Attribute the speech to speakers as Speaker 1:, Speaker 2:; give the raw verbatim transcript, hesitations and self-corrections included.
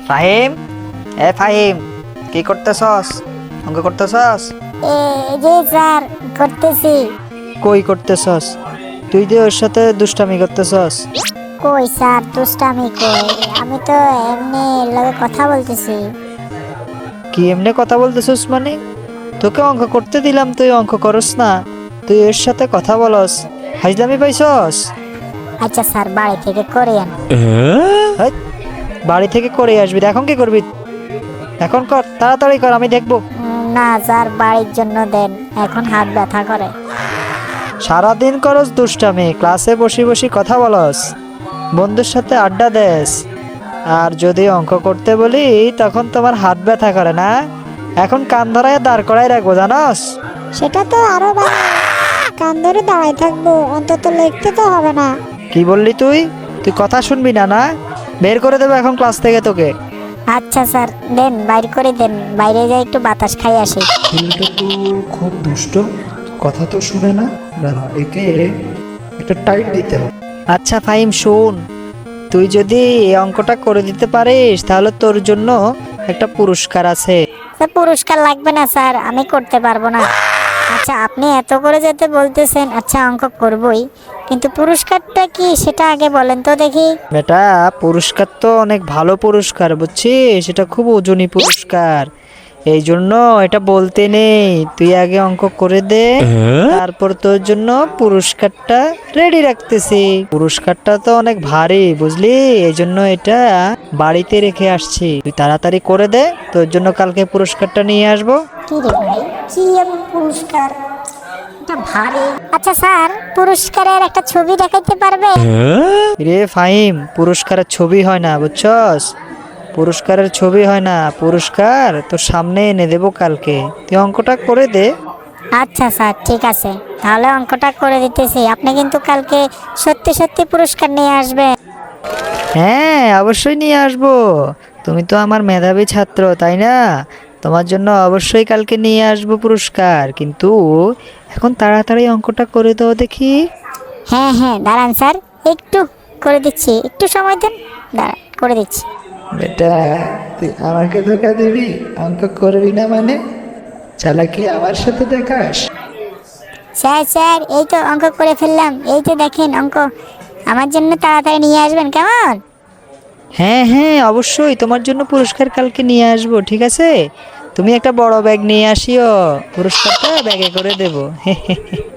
Speaker 1: ফাহিম, এ ফাহিম, কি করতেছস? অঙ্ক করতেছস?
Speaker 2: এ জি স্যার, করতেছি।
Speaker 1: কই করতেছস? তুই যে ওর সাথে দুষ্টামি করতেছস।
Speaker 2: কই স্যার, দুষ্টামি কই? আমি তো এমনি লগে কথা বলতেছি।
Speaker 1: কি এমনি কথা বলতেছস মানে? তোকে অঙ্ক করতে দিলাম, তুই অঙ্ক করস না, তুই এর সাথে কথা বলস। হাজলামি পাইছস?
Speaker 2: আচ্ছা স্যার, বাড়ি থেকে করে আন।
Speaker 1: হেৎ, বাড়ি থেকে করে আসবি, এখন কি করবি? এখন কর, তাড়াতাড়ি কর, আমি দেখবো।
Speaker 2: উম, না স্যার, বাড়ির জন্য দেন, এখন হাত ব্যথা করে।
Speaker 1: সারাদিন করস দুষ্টামি, ক্লাসে বসে বসে কথা বলস, বন্ধুর সাথে আড্ডা দেস, আর যদি অঙ্ক করতে বলি তখন তোমার হাত ব্যথা করে না? এখন কান ধরায় দাঁড় করাই রাখবো, জানস?
Speaker 2: সেটা তো আরো ভালো, কান ধরে দাঁড়াই থাকবো, অন্তত লিখতে তো হবে না।
Speaker 1: কি বললি তুই? তুই কথা শুনবি না না? বের করে দেবো এখন ক্লাস থেকে তোকে।
Speaker 2: আচ্ছা স্যার, দেন, বাইর করে দেন, বাইরে যাই একটু বাতাস খাই আসি।
Speaker 1: ছেলেটা তো খুব দুষ্ট, কথা তো শুনে না। দাঁড়া, একে একটা টাইট দিতে হবে। আচ্ছা ফাহিম শোন, তুই যদি এই অঙ্কটা করে দিতে পারিস তাহলে তোর জন্য একটা পুরস্কার আছে।
Speaker 2: স্যার, পুরস্কার লাগবে না স্যার, আমি করতে পারবো না। আচ্ছা, আপনি এত করে যেতে বলতেছেন, আচ্ছা অঙ্ক করবই, কিন্তু পুরস্কারটা কি সেটা আগে বলেন তো দেখি।
Speaker 1: বেটা, পুরস্কার তো অনেক ভালো পুরস্কার, বুঝছিস? সেটা খুব ওজনী পুরস্কার, এই জন্য এটা বলতে নেই। তুই আগে অঙ্ক করে দে, তারপর তোর জন্য পুরস্কারটা রেডি রাখতেছি। পুরস্কারটা তো অনেক ভারী, বুঝলি? এই জন্য এটা বাড়িতে রেখে আসছি। তুই তাড়াতাড়ি করে দে, তোর জন্য কালকে পুরস্কারটা নিয়ে আসবো।
Speaker 2: কি রে ভাই, কি এমন পুরস্কার? এটা ভারী। আচ্ছা স্যার, পুরস্কারের একটা ছবি দেখাইতে পারবে?
Speaker 1: রে ফাহিম, পুরস্কারের ছবি হয় না, বুঝছস? পুরস্কারের ছবি হয় না, পুরস্কার তোর সামনে এনে দেবো কালকে। তুই অঙ্কটা করে দে।
Speaker 2: আচ্ছা স্যার, ঠিক আছে, তাহলে অঙ্কটা করে দিতেছি। আপনি কিন্তু কালকে সত্যি সত্যি পুরস্কার নিয়ে আসবেন।
Speaker 1: হ্যাঁ, অবশ্যই নিয়ে আসবো। তুমি তো আমার মেধাবী ছাত্র, তাই না? তোমার জন্য অবশ্যই কালকে নিয়ে আসবো পুরস্কার, কিন্তু এখন তাড়াতাড়ি অঙ্কটা করে দাও দেখি।
Speaker 2: হ্যাঁ হ্যাঁ, দাঁড়ান স্যার, একটু করে দিচ্ছি, একটু সময় দেন, দাঁড়ান, করে দিচ্ছি।
Speaker 1: বেটা, তুই আমাকে ধোকা দিবি? অঙ্ক করবি না মানে চালাকি আমার সাথে দেখাস?
Speaker 2: স্যার স্যার, এই তো অঙ্ক করে ফেললাম, এই তো দেখেন অঙ্ক। আমার জন্য তাড়াতাড়ি নিয়ে আসবেন, কেমন?
Speaker 1: হ্যাঁ হ্যাঁ, অবশ্যই তোমার জন্য পুরস্কার কালকে নিয়ে আসবো, ঠিক আছে? তুমি একটা বড় ব্যাগ নিয়ে আসিও, পুরস্কারটা ব্যাগে করে দেবো।